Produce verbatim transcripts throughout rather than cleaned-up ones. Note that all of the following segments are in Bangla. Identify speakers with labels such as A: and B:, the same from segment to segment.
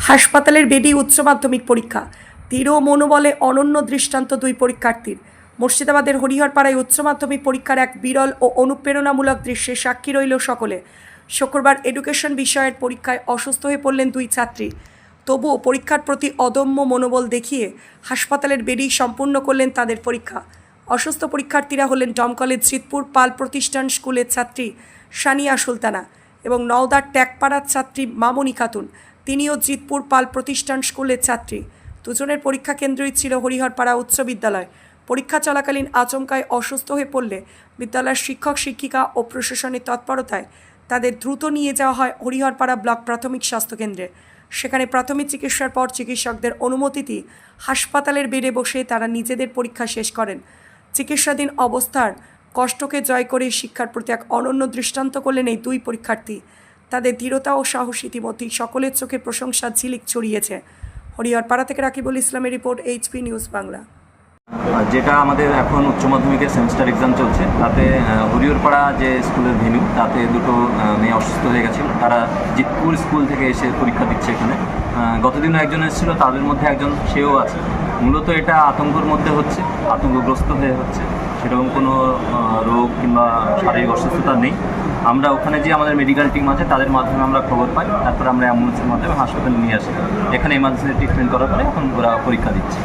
A: হাসপাতালের বেডি উচ্চ মাধ্যমিক পরীক্ষা, দৃঢ় মনোবলে অনন্য দৃষ্টান্ত দুই পরীক্ষার্থীর। মুর্শিদাবাদের হরিহরপাড়ায় উচ্চ মাধ্যমিক পরীক্ষার এক বিরল ও অনুপ্রেরণামূলক দৃশ্যে সাক্ষী রইল সকলে। শুক্রবার এডুকেশন বিষয়ের পরীক্ষায় অসুস্থ হয়ে পড়লেন দুই ছাত্রী। তবুও পরীক্ষার প্রতি অদম্য মনোবল দেখিয়ে হাসপাতালের বেডি সম্পূর্ণ করলেন তাদের পরীক্ষা। অসুস্থ পরীক্ষার্থীরা হলেন দমকলের জিতপুর পাল প্রতিষ্ঠান স্কুলের ছাত্রী সানিয়া সুলতানা এবং নওদার ট্যাকপাড়ার ছাত্রী মামনি খাতুন। তিনিও জিতপুর পাল প্রতিষ্ঠান স্কুলের ছাত্রী। দুজনের পরীক্ষা কেন্দ্রই ছিল হরিহরপাড়া উচ্চ বিদ্যালয়। পরীক্ষা চলাকালীন আচমকায় অসুস্থ হয়ে পড়লে বিদ্যালয়ের শিক্ষক শিক্ষিকা ও প্রশাসনের তৎপরতায় তাদের দ্রুত নিয়ে যাওয়া হয় হরিহরপাড়া ব্লক প্রাথমিক স্বাস্থ্যকেন্দ্রে। সেখানে প্রাথমিক চিকিৎসার পর চিকিৎসকদের অনুমতিতে হাসপাতালের বেডে বসে তারা নিজেদের পরীক্ষা শেষ করেন। চিকিৎসাধীন অবস্থার কষ্টকে জয় করে শিক্ষার প্রতি এক অনন্য দৃষ্টান্ত করলেন এই দুই পরীক্ষার্থী। তাদের দৃঢ়তা ও সাহস ইতিমধ্যেই সকলের চোখে প্রশংসার ঝিলিক ছড়িয়েছে। হরিহরপাড়া থেকে রাকিবুল ইসলামের রিপোর্ট, এইচপি নিউজ বাংলা।
B: যেটা আমাদের এখন উচ্চ মাধ্যমিকের সেমিস্টার এক্সাম চলছে, তাতে হরিহরপাড়া যে স্কুলের ভেন্যু, তাতে দুটো মেয়ে অসুস্থ হয়ে গেছিল। তারা জিতপুর স্কুল থেকে এসে পরীক্ষা দিচ্ছে এখানে। গতদিনও একজন এসেছিল, তাদের মধ্যে একজন সেও আছে। মূলত এটা আতঙ্কর মধ্যে হচ্ছে, আতঙ্কগ্রস্ত হয়ে হচ্ছে, সেরকম কোনো রোগ কিংবা শারীরিক অসুস্থতা নেই। আমরা ওখানে যে আমাদের মেডিকেল টিম আছে তাদের মাধ্যমে আমরা খবর পাই, তারপর আমরা অ্যাম্বুলেন্সের মাধ্যমে হাসপাতালে নিয়ে আসি। এখানে এমার্জেন্সি ট্রিটমেন্ট করার পরে এখন ওরা পরীক্ষা দিচ্ছে।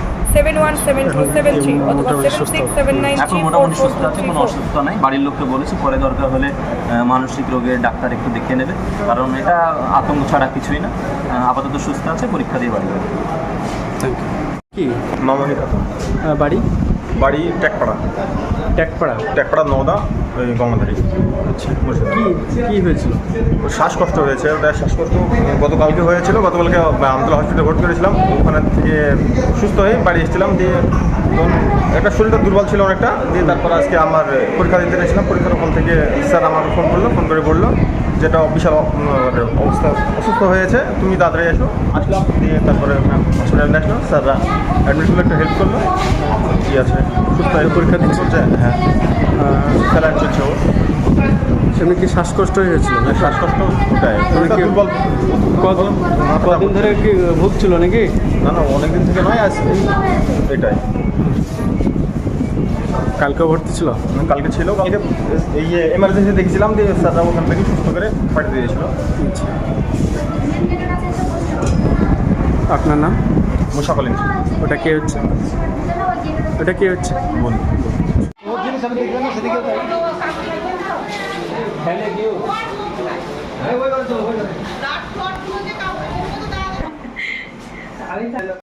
B: এখন মোটামুটি সুস্থ আছে, কোনো অসুস্থতা নেই। বাড়ির লোককে বলেছি পরে দরকার হলে মানসিক রোগের ডাক্তার একটু দেখিয়ে নেবে, কারণ এটা আতঙ্ক ছাড়া কিছুই না। আপাতত সুস্থ আছে, পরীক্ষা দিয়ে বাড়ি যাবে।
C: Thank you. কি
D: মামনি খাতুন,
C: বাড়ি?
D: বাড়ি ট্যাকপাড়া।
C: ট্যাকপাড়া
D: ট্যাকপাড়া নওদা, ওই গঙ্গাধারী।
C: আচ্ছা, কি কি হয়েছিল?
D: শ্বাসকষ্ট হয়েছে, ওটা শ্বাসকষ্ট গতকালকে হয়েছিল। গতকালকে আমতলা হসপিটালে ভর্তি করেছিলাম। ওখানে থেকে সুস্থ হয়ে বাড়ি এসেছিলাম। দিয়ে তখন একটা শরীরটা দুর্বল ছিল অনেকটা। দিয়ে তারপর আজকে আমার পরীক্ষা দিতে গেছিলাম। পরীক্ষার ওখান থেকে স্যার আমাকে ফোন করলো, ফোন করে বললো যেটা বিশাল অবস্থা, অসুস্থ হয়েছে, তুমি তাড়াতাড়ি এসো। আসলাম, দিয়ে তারপরে হসপিটালে আসলো। স্যাররা অ্যাডমিট করলে একটু হেল্প করলো। কী আছে, সুস্থ হয়ে পরীক্ষা দিতে চলছে। হ্যাঁ, স্যালাইন চলছে। ও
C: সেমনি কি শ্বাসকষ্ট হয়েছিল?
D: শ্বাসকষ্ট ওটাই, শরীরটা দুর্বল।
C: কদিন কদিন ধরে কি ভুগছিল নাকি?
D: না না, অনেক দিন থেকে নয়, আসছে এটাই।
C: কালকেও ভর্তি ছিল?
D: কালকে ছিল, কালকে এই এমার্জেন্সি দেখেছিলাম। দিয়ে স্যাররা ওখান থেকে সুস্থ করে পাঠিয়ে দিয়েছিল।
C: আচ্ছা, আপনার নাম?
D: মুশাকলিন।
C: ওটা কে হচ্ছে? ওটা কে হচ্ছে
D: বলুন।